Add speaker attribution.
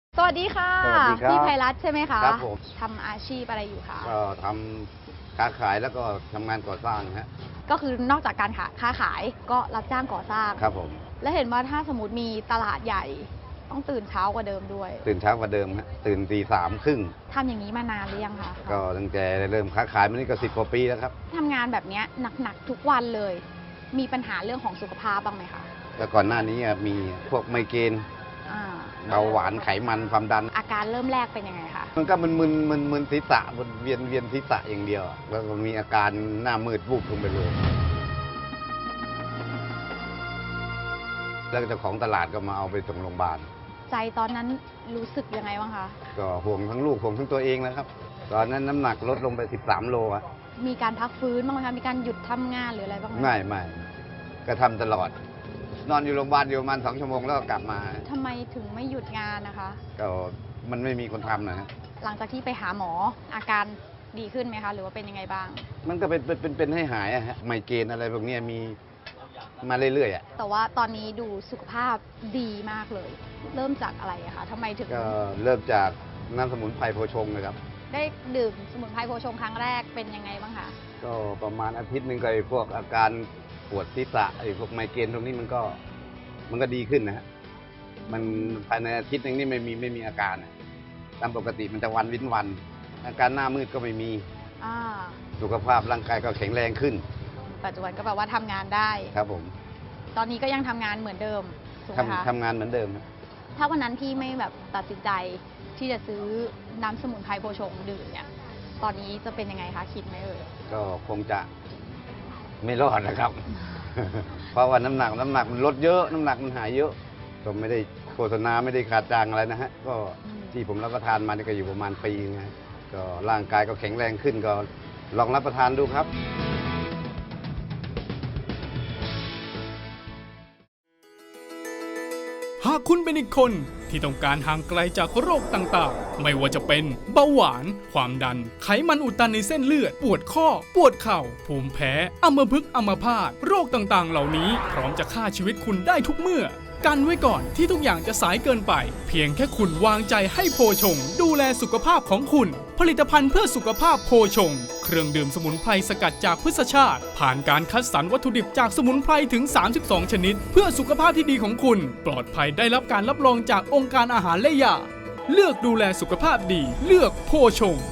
Speaker 1: สวัสดีค่ะ
Speaker 2: สวัสดีครับ
Speaker 1: พี่ไพรัตน์ใช่ไหมคะ
Speaker 2: ครับผม
Speaker 1: ทำอาชีพอะไรอยู่คะ
Speaker 2: ก็ทำค้าขายแล้วก็ทำงานก่อสร้างฮะ
Speaker 1: ก็คือนอกจากการค้าขายก็รับจ้างก่อสร้าง
Speaker 2: ครับผม
Speaker 1: และเห็นว่าถ้าสมมติมีตลาดใหญ่ต้องตื่นเช้ากว่าเดิมด้วย
Speaker 2: ตื่นเช้ากว่าเดิมฮะตื่นตี 3:30
Speaker 1: ทำอย่างนี้มานานหรือยังคะ
Speaker 2: ก็ตั้งแต่เริ่มค้าขายมานี่ก็10 กว่าปีแล้วครับ
Speaker 1: ทำงานแบบเนี้ยหนักๆทุกวันเลย มีปัญหาเรื่องของสุขภาพบ้างไหมคะ
Speaker 2: แต่ก่อนหน้านี้มีพวกไมเกรน
Speaker 1: อ่า
Speaker 2: เบาหวานไขมันความดัน
Speaker 1: อาการเริ่มแรกเป็นยังไงคะ
Speaker 2: มันก็มึนศีรษะเวียนศีรษะอย่างเดียว แล้วก็มีอาการหน้ามืดวูบลงไปเลย แล้วเจ้าของตลาดก็มาเอาไปส่งโรงพยาบาล
Speaker 1: ใจตอนนั้นรู้สึกยังไงบ้างคะ
Speaker 2: ก็ห่วงทั้งลูกห่วงทั้งตัวเองนะครับ ตอนนั้นน้ำหนักลดลงไป13 โลอะ
Speaker 1: มีการพักฟื้นบ้างไหมคะมีการหยุดทำงานหรืออะไรบ้างไหม
Speaker 2: ไม่ก็ทำตลอด นอนอยู่โรงพยาบาลอยู่ประมาณ2 ชั่วโมงแล้วก็กลับมา
Speaker 1: ทำไมถึงไม่หยุดงานนะคะ
Speaker 2: ก็มันไม่มีคนทำนะฮะ
Speaker 1: หลังจากที่ไปหาหมออาการดีขึ้นไหมคะ หรือว่าเป็นยังไงบ้าง
Speaker 2: มันก็เป็นให้หายอะฮะไมเกรนอะไรพวกเนี้ยมีมาเรื่อยๆอะ
Speaker 1: แต่ว่าตอนนี้ดูสุขภาพดีมากเลย เริ่มจากอะไรอะคะทำไมถึง
Speaker 2: ก็เริ่มจากน้ำสมุนไพรโพชงนะครับ
Speaker 1: ได้ดื่มสมุนไพรโพชงครั้งแรกเป็นยังไงบ้างคะ
Speaker 2: ก็ประมาณอาทิตย์หนึ่งก็ไอ้พวกอาการปวดศีรษะไอ้พวกไมเกรนตรงนี้มันก็ดีขึ้นนะฮะมันภายในอาทิตย์หนึงนี่ไม่มีอาการอะตามปกติมันจะวันวินวัน อาการหน้ามืดก็ไม่มี
Speaker 1: อ่า
Speaker 2: สุขภาพร่างกายก็แข็งแรงขึ้น
Speaker 1: ปัจจุบันก็แบบว่าทำงานได้
Speaker 2: ครับผม
Speaker 1: ตอนนี้ก็ยังทำงานเหมือนเดิมถูกไหมคะ
Speaker 2: ทำงานเหมือนเดิมครับ
Speaker 1: ถ้าวันนั้นพี่ไม่แบบตัดสินใจที่จะซื้อน้ำสมุนไพรโพชงดื่มเนี่ย ตอนนี้จะเป็นยังไงคะคิดไหมเอ่ย
Speaker 2: ก็คงจะไม่รอดนะครับ เพราะว่าน้ำหนักมันลดเยอะ น้ำหนักมันหายเยอะ ก็ไม่ได้โฆษณาไม่ได้ขาดจางอะไรนะฮะ ก็ที่ผมรับประทานมานี่ก็อยู่ประมาณปีนึงนะก็ร่างกายก็แข็งแรงขึ้นก็ลองรับประทานดูครับ
Speaker 3: หากคุณเป็นอีกคนที่ต้องการห่างไกลจากโรคต่างๆ ไม่ว่าจะเป็นเบาหวาน ความดัน ไขมันอุดตันในเส้นเลือด ปวดข้อ ปวดเข่า ภูมิแพ้ อัมพฤกษ์อัมพาต โรคต่างๆ เหล่านี้พร้อมจะฆ่าชีวิตคุณได้ทุกเมื่อ กันไว้ก่อนที่ทุกอย่างจะสายเกินไป เพียงแค่คุณวางใจให้โพชง ดูแลสุขภาพของคุณ ผลิตภัณฑ์เพื่อสุขภาพโพชง เครื่องดื่มสมุนไพรสกัดจากพืชชาติ ผ่านการคัดสรรวัตถุดิบจากสมุนไพรถึง 32 ชนิด เพื่อสุขภาพที่ดีของคุณ ปลอดภัยได้รับการรับรองจากองค์การอาหารและยา เลือกดูแลสุขภาพดี เลือกโพชง